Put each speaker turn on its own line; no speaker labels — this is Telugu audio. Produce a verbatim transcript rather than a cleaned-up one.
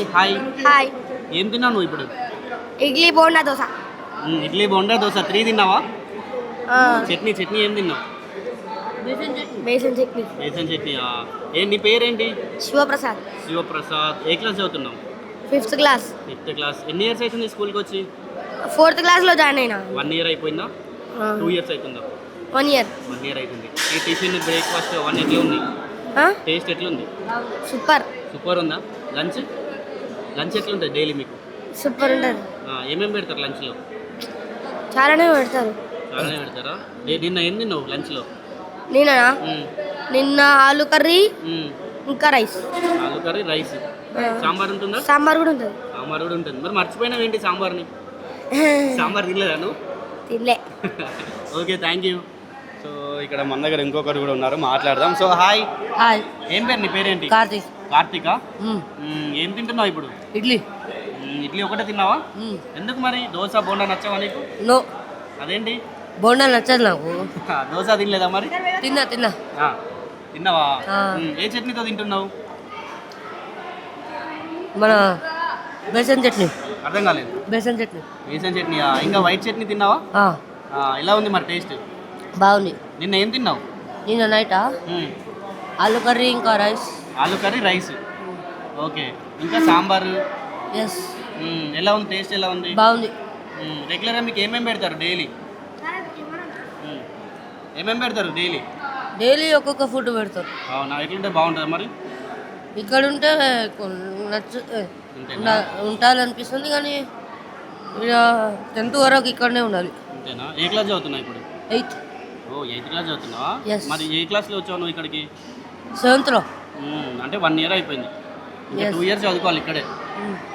Hi hi
hi.
ఏం తిన్నావు నువ్వు ఇప్పుడు?
ఇడ్లీ బోండా దోశ.
మ్, ఇడ్లీ బొండా దోశ త్రీ తిన్నావా? చట్నీ చట్నీ ఏం తిన్నావు?
బేసన్ చట్నీ.
బేసన్ చట్నీ. ఏ నీ పేరేంటి?
శివప్రసాద్.
శివప్రసాద్. ఏ క్లాస్ చదువుతున్నావు?
Fifth class.
Fifth class. ఎన్ని ఇయర్స్ అవుతుంది స్కూల్కి వచ్చి?
ఫోర్త్ క్లాస్లో జాయిన్ అయినా.
వన్ ఇయర్ అయిపోయిందా? టూ ఇయర్స్ అవుతుందా?
One year.
వన్ ఇయర్ అవుతుంది. ఈ టిఫిన్ బ్రేక్ఫాస్ట్ అవన్నీ ఎట్లా ఉంది? టేస్ట్ ఎట్లుంది?
సూపర్.
సూపర్ ఉందా? లంచ్ లంచ్ ఎట్లుంటుంది డైలీ మీకు?
సూపర్ ఉంటుంది.
ఏమేమి పెడతారు లంచ్లో?
చాలానే పెడతారు.
చాలానే పెడతారా? నే- నిన్న ఏం తిన్నావు లంచ్లో?
నిన్న నిన్న ఆలు కర్రీ ఇంకా రైస్.
ఆలు కర్రీ రైస్. సాంబార్ ఉంటుందా?
సాంబార్ కూడా ఉంటుంది.
సాంబార్ కూడా ఉంటుంది. మరి మర్చిపోయినావు ఏంటి సాంబార్ని? సాంబార్ తినలేదా నువ్వు?
తినలే.
Okay, thank you. సో ఇక్కడ మన దగ్గర ఇంకొకరు కూడా ఉన్నారు, మాట్లాడదాం. So hi.
హాయ్.
ఏం పేరు నీ పేరేంటి?
కార్తీక్.
కార్తీక. ఏం తింటున్నావు ఇప్పుడు?
ఇడ్లీ.
మ్మ్, ఇడ్లీ ఒకటే తిన్నావా? ఎందుకు మరి దోశ బోండా నచ్చావా నీకు?
నో,
అదేంటి?
బోండా నచ్చదు నాకు.
దోశ తినలేదా మరి?
తిన్నా తిన్నా.
ఆ, తిన్నావా?
ఆ.
మ్మ్, ఏ చట్నీతో తింటున్నావు?
మన బేసన్ చట్నీ.
అర్థం కాలేదు.
బేసన్ చట్నీ.
బేసన్ చట్నీ. ఇంకా వైట్ చట్నీ తిన్నావా?
ఆ,
ఆ, ఎలా ఉంది మరి టేస్ట్?
బాగుంది.
నిన్న ఏం తిన్నావు?
నిన్న నైటా
మ్మ్,
ఆలు కర్రీ ఇంకా రైస్.
ఆలు కర్రీ రైస్. ఓకే, ఇంకా సాంబారు.
ఎస్,
మ్మ్, ఎలా ఉంది టేస్ట్? ఎలా ఉంది?
బాగుంది.
మ్మ్, రెగ్యులర్గా మీకు ఏమేమి పెడతారు డైలీ? మ్మ్, ఏమేమి పెడతారు డైలీ?
డైలీ ఒక్కొక్క ఫుడ్ పెడతారు.
అవునా, ఎట్లుంటే బాగుంటుంది మరి?
ఇక్కడ ఉంటే కొన్- నచ్చ
అంతేనా?
ఉండ- ఉండాలనిపిస్తుంది కానీ ఇక టెన్త్ వరకు ఇక్కడనే ఉండాలి.
అంతేనా? ఏ క్లాస్ చదువుతున్నావు ఇప్పుడు?
ఎయిత్.
ఓ, ఎయిత్ క్లాస్ చదువుతున్నావా?
Yes.
మరి ఏ క్లాస్లో వచ్చావు నువ్వు ఇక్కడికి?
సెవెంత్లో.
మ్మ్, అంటే వన్ ఇయర్ అయిపోయింది. ఇంకా
Yes.
టూ ఇయర్స్ చదువుకోవాలి ఇక్కడే.